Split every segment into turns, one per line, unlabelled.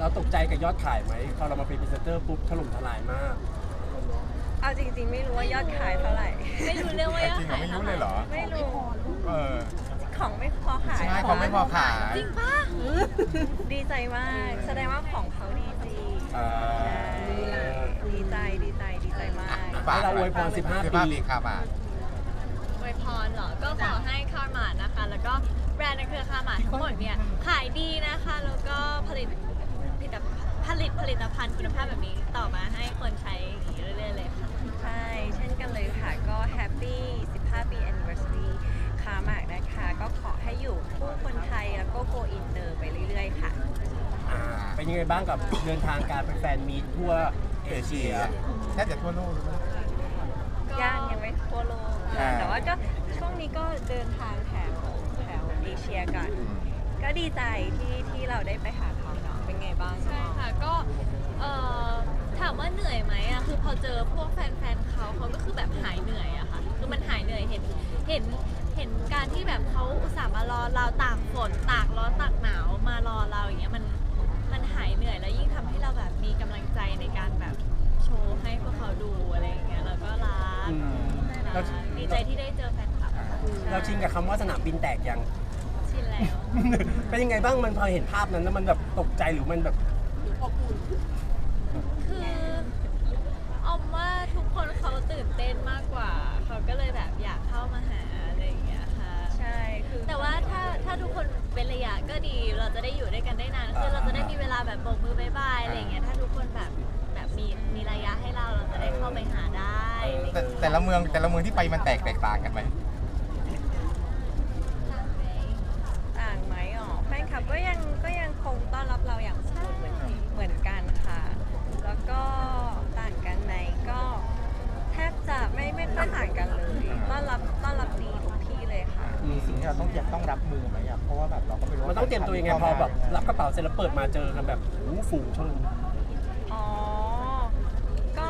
เราตกใจกับยอดขายไหมพอเรามาเป็นพรีเซนเตอร์ปุ๊บถล่มทลายมาก
เอาจริงๆไม่รู้ว่ายอดขายเท่าไหร่
ไม่รู้เรื่องว่ายอด
จริงเหรอ
ขาย
ไม่รู้เลยเหรอ
ไม่รู้
เออ
ของไม่พอขาย
ใช่ของไม่พอขาย
จริงปะ
ดีใจมาก แสดงว่าของเขาดีจริง
อ่า
ดีใจมาก
ให้เราอวยพร15 ปี
ปีครับอ่ะ
อวยพรเหรอ ก็ขอให้คาร์มาร์นะคะ แล้วก็แบรนด์ในเครือคาร์มาร์ทั้งหมดเนี่ยขายดีนะคะ แล้วก็ผลิตผลิตภัณฑ์คุณภาพแบบนี้ต่อมาให้คนใช้อย่างนี้เรื่อยๆเลยค่ะ
ใช่ เช่นกันเลยค่ะ ก็แฮปปี้15 ปี anniversary คามากนะคะ ก็ขอให้อยู่คู่คนไทยแล้วก็โกอินเตอร์ไปเรื่อยๆค่ะ
เป็นยังไงบ้างกับเดินทางการเป็นแฟนมีตทั่วเอเชีย
แทบจะทั่วโลกเลยนะ
ยังไม่ทั่วโลก
อ่า
แต่ว่าก็ช่วงนี้ก็เดินทางแถวเอเชียกัน ก็ดีใจที่เราได้ไปหาเขาเนาะ เป็นไงบ้าง
ใช่ค่ะ ก็ถามว่าเหนื่อยไหมอะคือพอเจอพวกแฟนๆเขาก็คือแบบหายเหนื่อยอะค่ะ คือมันหายเหนื่อยเห็นการที่แบบเขาอุตส่าห์มารอเราตากฝนตากร้อนตากหนาวมารอเราอย่างเงี้ยมันหายเหนื่อยแล้วยิ่งทำให้เราแบบมีกำลังใจในการแบบโชว์ให้พวกเขาดูอะไรอย่างเงี้ยแล้วก็รัก
อืม
รักดีใจที่ได้เจอแฟนคลับ
เราชินกับคำว่าสนามบินแตกยัง
ชินแล้ว
เป็นยังไงบ้างมันพอเห็นภาพนั้นแล้วมันแบบตกใจหรือมันแบบ
คือออมว่าทุกคนเขาตื่นเต้นมากกว่าเขาก็เลยแบบอยากเข้ามาหาอะไรอย่างเงี้ยค่ะ
ใช่ คือ
แต่ว่าถ้าทุกคนเป็นระยะก็ดีเราจะได้อยู่ด้วยกันได้นานคือเราจะได้มีเวลาแบบโบกมือบายบายอะไรอย่างเงี้ยถ้าทุกคนแบบมีระยะให้เราจะได้เข้าไปหาได้อะไรอย่างเงี้ย
แต่ละเมืองที่ไปมันแตกต่างกันไหม
ต่างไหมอ๋อแฟนคลับก็ยังคงต้อนรับเราอย่างอบอุ่นเหมือนกันค่ะ แล้วก็ต่างกันไหมก็แทบจะไม่ค่อยต่างกันเลยต้อนรับดีทุกที่เลยค่ะ
มีสิ่งที่เราต้องรับมือไหมอ่ะเพราะว่าแบบเราก็ไม่รู้
มันต้องเตรียมตัวยังไงพอแบบรับกระเป๋าเสร็จแล้วเปิดมาเจอกันแบบโอ้โหฝูงชน
อ๋อ ก็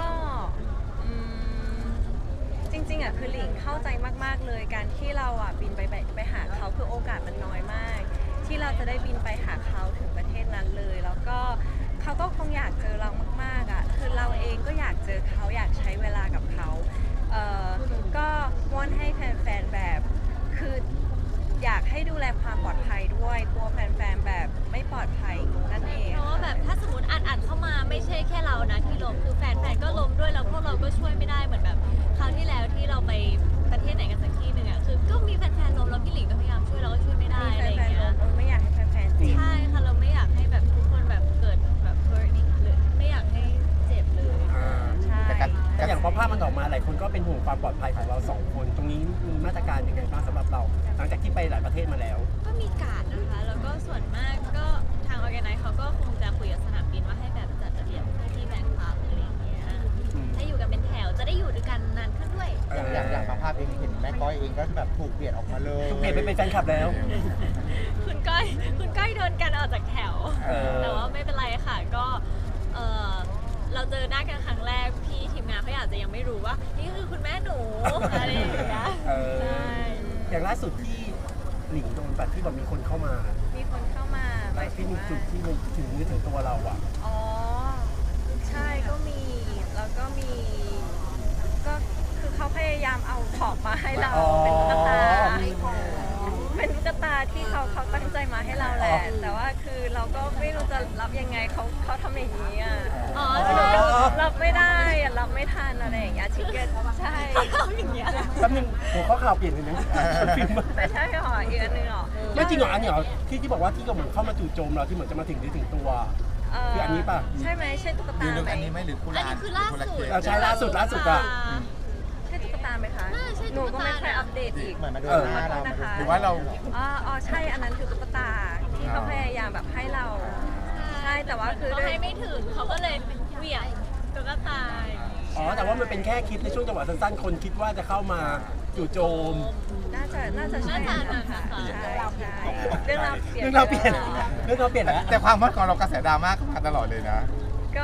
จริงๆอ่ะคือหลิงเข้าใจมากๆเลยการที่เราอ่ะบินไปหาเขาคือโอกาสมันน้อยมาก ที่เราจะได้บินไปหาเขาถึงประเทศนั้นเลย แล้วก็เขาก็คงอยากเจอเรามากๆอ่ะคือเราเองก็อยากเจอเขาอยากใช้เวลากับเขาก็วอนให้แฟนๆแบบคืออยากให้ดูแลความปลอดภัยด้วยกลัวแฟนๆแบบไม่ปลอดภัยนั่นเอง
เพราะว่าแบบถ้าสมมติอ่านเข้ามาไม่ใช่แค่เรานะที่ล้มคือแฟนๆก็ล้มด้วยแล้วพวกเราก็ช่วยไม่ได้เหมือนแบบคราวที่แล้วที่เราไปประเทศไหนกันสักที่หนึ่งอ่ะคือก็มีแฟนๆล้มแล้วพี่หลิงก็พยายามช่วยเราก็ช่วยไม่ได้
มี
อะไรอ
แฟ
ย่าง
น
เงี้ย
ๆไม่อยากให้แฟนๆเจ็บ
ใช่ค่ะเราไม่อยากให้แบบทุกคนแบบเกิดแบบ burning หรือไม่อยากให้เจ็บเลย
ใช่
แต่อย่างพอภาพมันออกมาหลายคนก็เป็นห่วงความปลอดภัยของเราสองคน ตรงนี้มีมาตรการยังไงบ้างสำหรับเรา หลังจากที่ไปหลายประเทศมาแล้ว
ก็มีการ์ดนะคะ แล้วก็ส่วนมากก็ทางออแกไนซ์เขาก็คงจะคุยกับสนามบินว่าให้แบบจัดระเบียบเพื่อที่แบงค์คลับอะไรอย่างเงี้ยให้อยู่กันเป็นแถวจะได้อยู่ด้วยกันนานขึ้นด้วย
อย่างบางภาพเองเห็นแม่ก้อยเองก็แบบถูกเปลี่ยนออกมาเลย
ทุกเพจไปเป็นแฟนคลับแล้ว
คุณก้อยโดนกันออกจากแถว
เออ
แต่ว่าไม่เป็นไรค่ะก็เออเราเจอหน้ากันครั้งแรกพี่ทีมงานเขาอาจจะยังไม่รู้ว่านี่คือคุณแม่หนูอะไรอย่างเงี้ย
เออ
ใช่
อย่างล่าสุดที่หลิงโดนแบบที่แบบมีคนเข้ามา
มีคนเข้ามาหมายถึ
ที่
ง
มี
ว่า
จุดที่มันถึงนึกถึงตัวเราอ่ะ
อ๋อ ใช่ก็มี แล้วก็มี ก็คือเขาพยายามเอาของมาให้เรา
อ๋อ
เป็นตุ๊กตาเป็นตุ๊กตาที่เขาตั้งใจมาให้เราแหละ แต่ว่าคือเราก็ไม่รู้จะรับยังไงเขาทำอย่างนี้อ่ะ
อ๋อ
เราก็รับไม่ได้อะรับไม่ทันอะไรอย่างเงี้ยชิคเก้นใช่
เขาอย่างเงี้ย
แป๊บนึงหัวข้อข่าวเปลี่ยนเลยนะฟิล์ม
ไม่ใช่หรออีกอันหนึงหรอ
ไม่จริงเหรออันนี้เหรอที่บอกว่าที่ก็เหมือนเข้ามาจู่โจมเราที่เหมือนจะมาถึงตัว คืออันนี้ป่ะ
ใช่ไหมใช่ตุ๊ก
ห
ตา
รือ
ไหม
อันนี้ไหมหรือกุห
อัน
ลาบ
นี้คือล่าสุด
เราใช้ล่าสุดอะ
ใช่ตุ๊กตาไหมคะ
น่าใช่
หนู
ตุ๊กตา
ก็ไม่ค่อยอัปเดตอีก
เหมือนมาดูหน้าเรา
หรือว่าเรา
อ๋อใช่ อันนั้นคือตุ๊กตาที่เขาพยายามแบบให้เรา ใช่ แต่ว่าคือ
เขาให้ไม่ถึงเขาก็เลยเหวี่ยงตุ๊กตา
อ๋อแต่ว่ามันเป็นแค่คลิปในช่วงจังหวะสั้นๆ คนคิดว่าจะเข้ามาจู่โจม
น่าจะใช่นะคะใช่ใช่เรื่อง
เรื่องเราเปลี่ยนแล้ว
แต่ความฮอตของเรากระแสดราม่ามาตลอดเลยนะ
ก็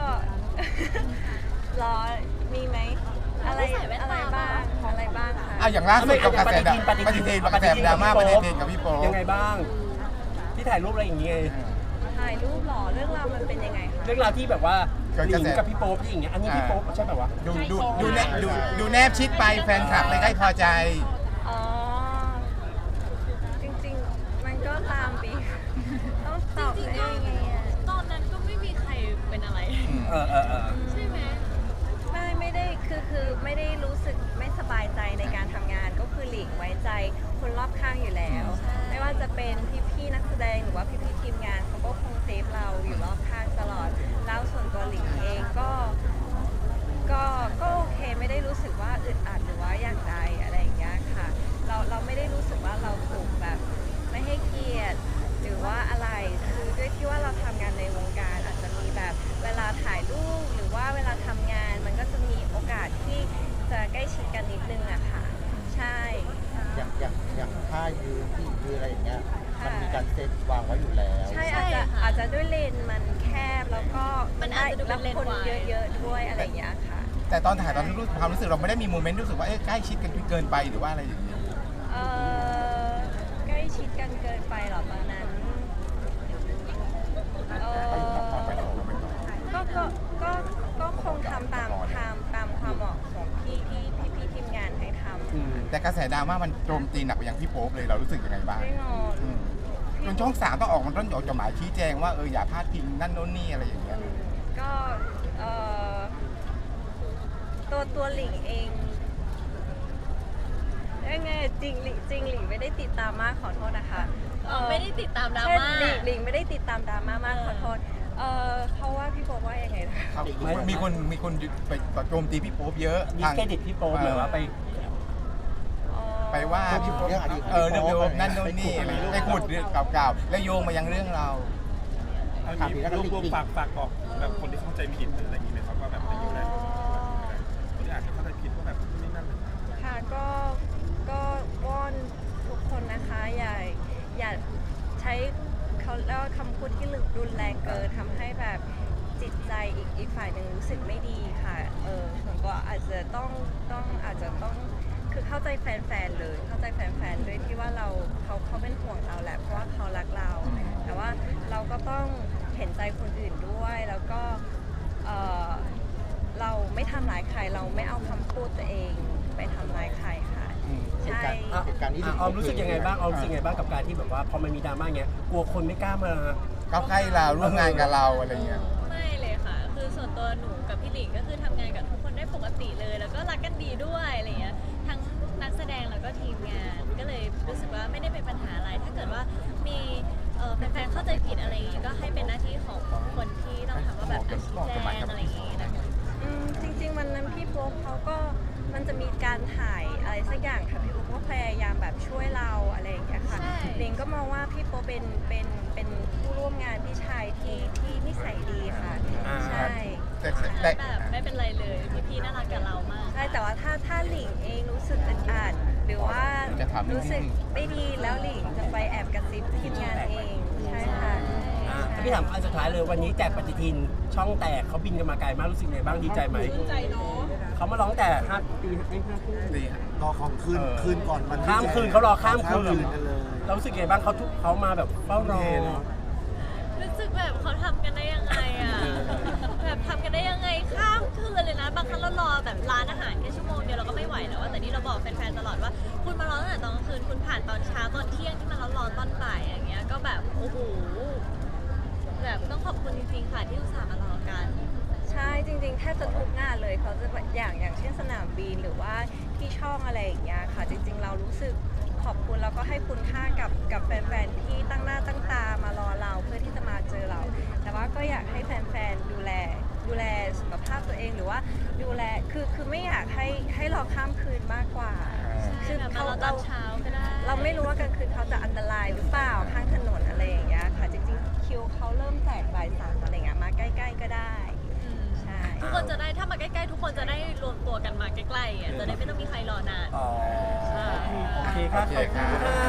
รอมีไหมอะไรบ้างคะ
อ่ะอย่างล่าสุดกับกระแสปฏิทินดราม่าปฏิทินกับพี่โป๊ป
ยังไงบ้าง ที่ถ่ายรูปอะไรอย่างเงี้ย
ใช่ถ่ายรูปเหรอเรื่องราวมันเป็นยังไงคะ
เรื่องราวที่แบบว่า
เกิด
ห
ก
ลิ
ระ
ง
แส
กับพี่โป๊ปที่อย่างเงี้ยอันนี้พี่โป๊ปใช่ป่าวะ
ดูแนบชิดไปแฟนคลับเลยใกล้พอใจ
อ๋อจริงๆมันก็ตามปีต้องตอบ
จริง
ได้
ๆก็
ยังไงอะ
ตอนนั้นก็ไม่มีใครเป็นอะไร
เออ
ใช่ไหม
ไม่ได้คือไม่ได้รู้สึกไม่สบายใจในการทำงานก็คือหลีกไว้ใจคนรอบข้างอยู่แล้ว ไม่ว่าจะเป็นพี่ๆนักแสดงหรือว่าพี่ๆทีมงานเขาก็คงเซฟเราอยู่รอบข้างตลอดแล้วส่วนตัวหลิงเองก็โอเคไม่ได้รู้สึกว่าอึดอัดหรือว่าอย่างใดอะไรอย่างเงี้ยค่ะเราไม่ได้รู้สึกว่าเราถูกแบบไม่ให้เกียรติหรือว่าอะไรคือด้วยที่ว่าเราทำงานในวงการอาจจะมีแบบเวลาถ่ายรูปหรือว่าเวลาทำงานมันก็จะมีโอกาสที่จะใกล้ชิดกันนิดนึงอะค่ะใช่
อย่างท่ายืนที่ยืนอะไรอย่างเงี้ยมันมีการเซตวางไว้อยู่แล้ว
ใช่
ใช่
อาจจะ
ค่ะ
ด้วยเลนส์มันแคบแล้วก็
มันอาจจะดูเป็นเลนส์
รับคน
วาย
เยอะๆด้วยอะไรอย่างเงี้ยค่ะ
แต่ตอนถ่ายตอนรู้ความรู้สึกเราไม่ได้มีโมเมนต์รู้สึกว่าใกล้ชิดกันจนเกินไปหรือว่าอะไรอย่างเงี้ย
เออใกล้ชิดกันเกินไปเหรอตอนนั้นเออก็คงทำตามความเหมาะสมที่พี่ทีมงานให้ทำ
แต่กระแสดราม่ามันโจมตีหนักไปยังพี่โป๊ปเลยเรารู้สึกยังไงบ้าง
ไม่งอน
อืมจนช่อง3ต้องออกมันต้องออกจดหมายชี้แจงว่าอย่าพลาดพิงนั่นโน่นนี่อะไรอย่างเงี้ย
ก็เออตัวหลิงเองยังไงจริงหลิงไม่ได้ติดตามมากขอโทษนะคะ
ไม่ได้ติดตามดรา
ใช่
ม่า
หลิงไม่ได้ติดตามดราม่ามากขอโทษเพราะว่าพี่โบว่ายังไงนะ
มีคนไปโจมตีพี่โป๊ปเยอะ
ดิ
ทาง
เครดิตพี่โป๊ปหรือว่าไป
ไปว่าพี่โป๊ป
เรื่องอดีต
เรื่องโยมนั่นโน่นนี่อะไรไปขุดเรื่องเก่าๆแล้วโยงมายังเรื่องเรา
เอาอย่างนี้รวมๆฝากบอกแบบคนที่เข้าใจผิดหรืออะไรอย่างนี้ไหมครับว่าแบบไม่อยู่แล้วคนที่อาจจะเข้าใจผิดว่าแบบนี่นั่นเลย
ค่ะก็วอนทุกคนนะคะอย่าใช้เขาเรียกว่าคำพูดที่รุนแรงเกินทำให้แบบจิตใจอีกฝ่ายหนึ่งรู้สึกไม่ดีค่ะส่วนตัวอาจจะต้องคือเข้าใจแฟนๆเลยเข้าใจแฟนๆด้วยที่ว่าเขาเป็นห่วงเราแหละเพราะว่าเขารักเรา แต่ว่าเราก็ต้องเห็นใจคนอื่นด้วยแล้วก็เราไม่ทำร้ายใครเราไม่เอาคำพูดตัวเองไปทำร้ายใครค่ะใช่
เหตุการณ์นี้
ออมรู้สึกยังไงบ้างกับการที่แบบว่าพอมันมีดราม่าเงี้ยกลัวคนไม่กล้ามา
เข้าใกล้เราร่วมงานกับเราอะไรเงี้ย
ไม่เลยค่ะ คือส่วนตัวหนูกับพี่หลิงก็คือทำงานกับทุกคนได้ปกติเลย แล้วก็รักกันดีด้วยอะไรเงี้ย ทั้งนักแสดงแล้วก็ทีมงาน ก็เลยรู้สึกว่าไม่ได้เป็นปัญหาอะไร ถ้าเกิดว่ามีแฟนๆเข้าใจผิดอะไรอย่างงี้ก็ให้เป็นหน้าที่ของคนที่ต้องทำว่าแบบชี้แจงอะไรอย่างงี้นะคะ
จริงๆวันนั้นพี่โป๊ปเขาก็มันจะมีการถ่ายอะไรสักอย่างค่ะพี่โป๊ปก็พยายามแบบช่วยเราอะไรอย่างเงี้ยค่ะ
ใช่
ลิงก็มองว่าพี่โป๊ปเป็นผู้ร่วมงานพี่ชายที่นิสัยดีค่ะ ใช่
แต่
แบบไม่เป็นไรเลย พี่ๆน่ารักกับเรามาก
ใช่แต่ว่าถ้าหลิงเองรู้สึกอึดอัดหรือว่ารู้สึกไม่ดีแล้วหลิงจะไปแอบกระซิบทีมงานเองใช่ค่ะ
พี่ถามอันสุดท้ายเลยวันนี้แจกปฏิทินช่องแตกเขาบินกันมาไกลมากรู้สึกไงบ้างดีใจไหมดีใจเนาะเขามาร้องแต่5 ปี5 ทุ่ม
ดี
รอของคืนก่อนมัน
ข้ามคืนเขารอข้ามคืน
กันเลย
เรารู้สึกไงบ้างเขามาแบบเฝ้ารอ
รู้สึกแบบเขาทำกันได้ยังไงอะแบบทำกันได้ยังไงข้ามคืนเลยนะ บางครั้งเรารอแบบร้านอาหารแค่ชั่วโมงเดียวเราก็ไม่ไหวแล้วอะแต่นี่เราบอกแฟนๆตลอดว่า คุณมารอตั้งแต่ตอนกลางคืนคุณผ่านตอนเช้าตอนเที่ยงที่มันร้อนๆตอนบ่ายอย่างเงี้ยก็แบบโอ้โหแบบต้องขอบคุณจริงๆค่ะที่อุตส่าห์มารอกัน
ใช่จริงๆแทบจะทุกงานเลยเขาจะแบบอย่างเช่นสนามบินหรือว่าที่ช่องอะไรอย่างเงี้ยค่ะจริงๆเรารู้สึกขอบคุณแล้วก็ให้คุณค่ากับแฟนๆที่ตั้งหน้าตั้งตามารอเราเพื่อที่จะมาเจอเรา แต่ว่าก็อยากให้แฟนๆดูแลสุขภาพตัวเองหรือว่าดูแลคือไม่อยากให้รอข้ามคืนมากกว่า คือ
แบบมา
เขา
รอตอนเช้าก็ได้
เราไม่รู้ว่ากลางคืนเขาจะอันตรายหรือเปล่าข้างถนนอะไรอย่างเงี้ยค่ะจริงๆคิวเขาเริ่มแจกบ่าย 3อะไรเงี้ยมาใกล้ๆก็ได้ ใช่
ทุกคนจะได้ถ้ามาใกล้ๆทุกคนจะได้รวมตัวกันมาใกล้ๆอ่ะจะได้ไม่ต้องมีใครรอนาน
อ๋อโอเคครับขอบคุณค่ะ